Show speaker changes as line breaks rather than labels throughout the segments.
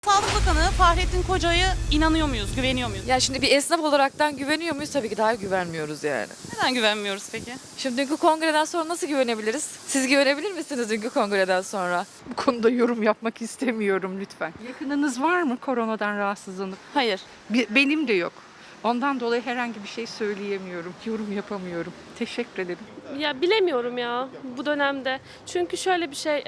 Sağlık Bakanı Fahrettin Koca'ya inanıyor muyuz, güveniyor muyuz?
Ya şimdi bir esnaf olaraktan güveniyor muyuz? Tabii ki daha güvenmiyoruz yani.
Neden güvenmiyoruz peki?
Şimdi dünkü kongreden sonra nasıl güvenebiliriz? Siz güvenebilir misiniz dünkü kongreden sonra?
Bu konuda yorum yapmak istemiyorum lütfen. Yakınınız var mı koronadan rahatsızlanıp?
Hayır.
Benim de yok. Ondan dolayı herhangi bir şey söyleyemiyorum, yorum yapamıyorum. Teşekkür ederim.
Ya bilemiyorum ya bu dönemde. Çünkü şöyle bir şey,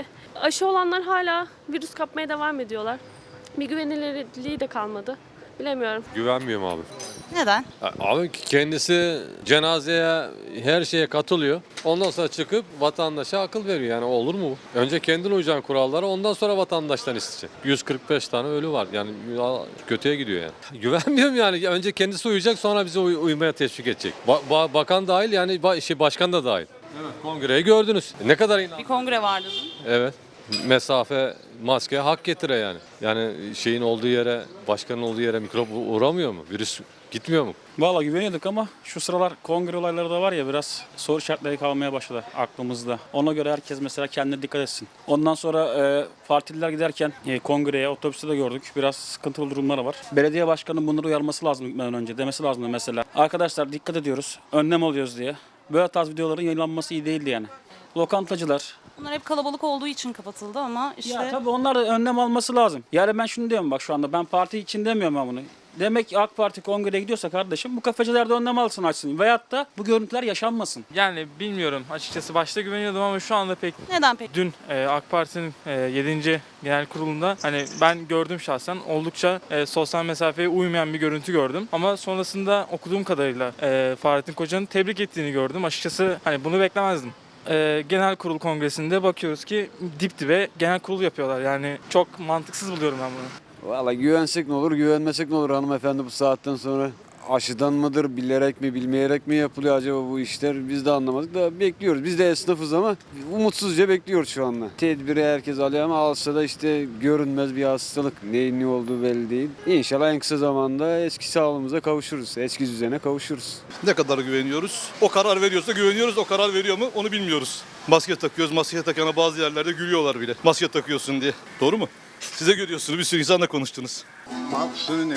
aşı olanlar hala virüs kapmaya devam ediyorlar. Bir güvenilirliği de kalmadı. Bilemiyorum.
Güvenmiyorum abi.
Neden?
Abi kendisi cenazeye her şeye katılıyor. Ondan sonra çıkıp vatandaşa akıl veriyor. Yani olur mu bu? Önce kendin uyacaksın kurallara, ondan sonra vatandaştan isteyeceksin. 145 tane ölü var. Yani kötüye gidiyor yani. Güvenmiyorum yani. Önce kendisi uyacak, sonra bizi uymaya teşvik edecek. Bakan dahil, yani başkan da dahil. Evet, kongreyi gördünüz. Ne kadar
Bir kongre vardı dün.
Evet. Mesafe, maske hak getire yani. Yani şeyin olduğu yere, başkanın olduğu yere mikrop uğramıyor mu? Virüs gitmiyor mu?
Valla güveniyorduk ama şu sıralar kongre olayları da var ya, biraz soru işaretleri kalmaya başladı aklımızda. Ona göre herkes mesela kendine dikkat etsin. Ondan sonra partililer giderken kongreye, otobüste de gördük. Biraz sıkıntılı durumlar var. Belediye başkanının bunları uyarması lazım gitmeden önce. Demesi lazım mesela. Arkadaşlar dikkat ediyoruz, önlem alıyoruz diye. Böyle tarz videoların yayınlanması iyi değildi yani. Lokantacılar.
Bunlar hep kalabalık olduğu için kapatıldı ama işte...
Ya tabii onlar da önlem alması lazım. Yani ben şunu diyorum bak, şu anda ben parti için demiyorum ben bunu. Demek ki AK Parti kongreye gidiyorsa kardeşim, bu kafecilerde önlem alsın, açsın. Veyahut da bu görüntüler yaşanmasın.
Yani bilmiyorum, açıkçası başta güveniyordum ama şu anda pek.
Neden peki?
Dün AK Parti'nin 7. Genel Kurulu'nda hani ben gördüm şahsen, oldukça sosyal mesafeye uymayan bir görüntü gördüm. Ama sonrasında okuduğum kadarıyla Fahrettin Koca'nın tebrik ettiğini gördüm. Açıkçası hani bunu beklemezdim. Genel Kurul Kongresi'nde bakıyoruz ki dip dibe genel kurul yapıyorlar. Yani çok mantıksız buluyorum ben bunu.
Valla güvensek ne olur, güvenmesek ne olur hanımefendi, bu saatten sonra aşıdan mıdır, bilerek mi, bilmeyerek mi yapılıyor acaba bu işler, biz de anlamadık da bekliyoruz. Biz de esnafız ama umutsuzca bekliyoruz şu anda. Tedbiri herkes alıyor ama alsa da işte görünmez bir hastalık, neyin ne olduğu belli değil. İnşallah en kısa zamanda eski sağlığımıza kavuşuruz, eski düzene kavuşuruz.
Ne kadar güveniyoruz? O karar veriyorsa güveniyoruz, o karar veriyor mu onu bilmiyoruz. Maske takıyoruz, maske takana bazı yerlerde gülüyorlar bile. Maske takıyorsun diye. Doğru mu? Size görüyorsunuz, bir sürü insanla konuştunuz.
Mahsuni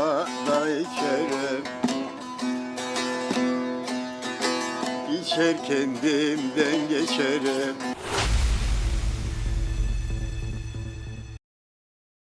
bada içerim, içer kendimden geçerim.